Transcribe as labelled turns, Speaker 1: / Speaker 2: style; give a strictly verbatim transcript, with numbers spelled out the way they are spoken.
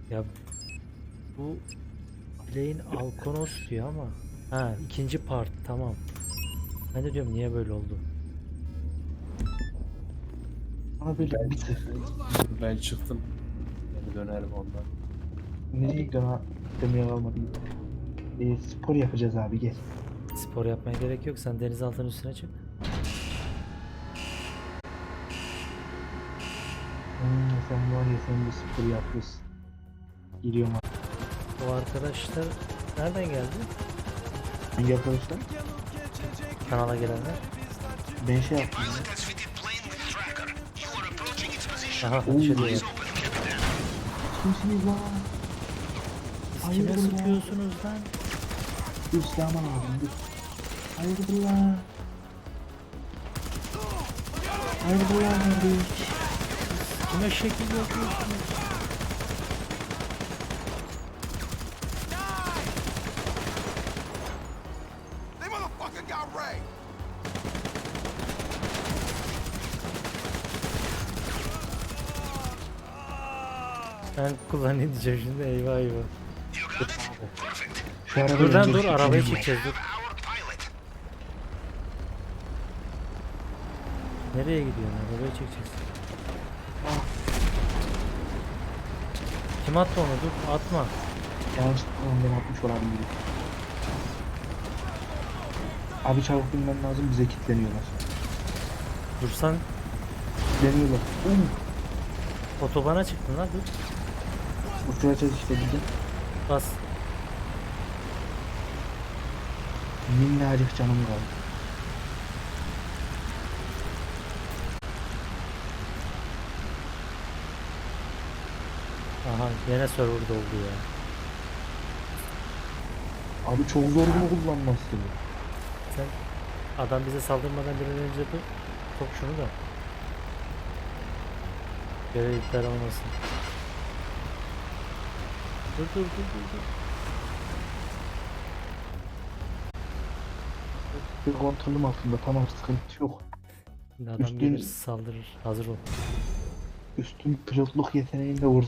Speaker 1: Ya bu Play'in Alkonos diyor ama. Ha, ikinci part, tamam. Ben de diyorum niye böyle oldu?
Speaker 2: Ama böyle
Speaker 3: Ben
Speaker 2: bir tık.
Speaker 3: çıktım. Ben çıktım. Yani dönerim ondan.
Speaker 2: Nereye gidiyorsun ha? Demeye kalmadım. E, spor yapacağız abi, gel.
Speaker 1: Spor yapmaya gerek yok. Sen denizaltının üstüne çık.
Speaker 2: Hmm, sen var ya, sen de spor yapıyorsun. Giriyorum abi.
Speaker 1: O arkadaşlar nereden geldi?
Speaker 2: Hangi arkadaşlar?
Speaker 1: Kanala gelenler.
Speaker 2: Ben şey yaptım ya.
Speaker 1: Aha,
Speaker 2: Oo.
Speaker 1: ateş ediyorlar.
Speaker 2: Kimsiniz lan?
Speaker 1: Siz
Speaker 2: Hayırdır
Speaker 1: kime
Speaker 2: lan?
Speaker 1: sıkıyorsunuz lan?
Speaker 2: Dur, silahımı aldım, dur. Hayırdır lan? Hayırdır lan kardeş?
Speaker 1: Kime şekil yapıyorsunuz?
Speaker 4: They motherfucking got Ray.
Speaker 1: Ben kullanayım diyeceğim şimdi, eyvah eyvah.
Speaker 2: Şu arada
Speaker 1: Dur lan
Speaker 2: önce
Speaker 1: dur,
Speaker 2: bir
Speaker 1: arabayı
Speaker 2: fikrim var.
Speaker 1: çekeceğiz dur. Nereye gidiyorsun? Arabayı çekeceğiz. Kim attı onu? Dur atma.
Speaker 2: Yanlışlıkla ondan atmış olabilir. Abi çabuk binmen lazım, bize kilitleniyorlar.
Speaker 1: Dursan
Speaker 2: Kilitleniyorlar. Um,
Speaker 1: otobana çıktın lan, dur.
Speaker 2: uçuracağız işte bizi.
Speaker 1: Bas.
Speaker 2: Minnacık canım kaldı.
Speaker 1: Aha, yine server doldu ya.
Speaker 2: Abi çok zor bunu kullanması.
Speaker 1: Sen adam bize saldırmadan bir an önce dur. Top şunu da. Görev iptal olmasın. Dur dur dur dur dur.
Speaker 2: Bir kontrolüm altında, tamam, sıkıntı yok.
Speaker 1: Şimdi adam
Speaker 2: Üstün-
Speaker 1: gelir saldırır. Hazır ol.
Speaker 2: Üstün pilotluk yeteneğinde vur.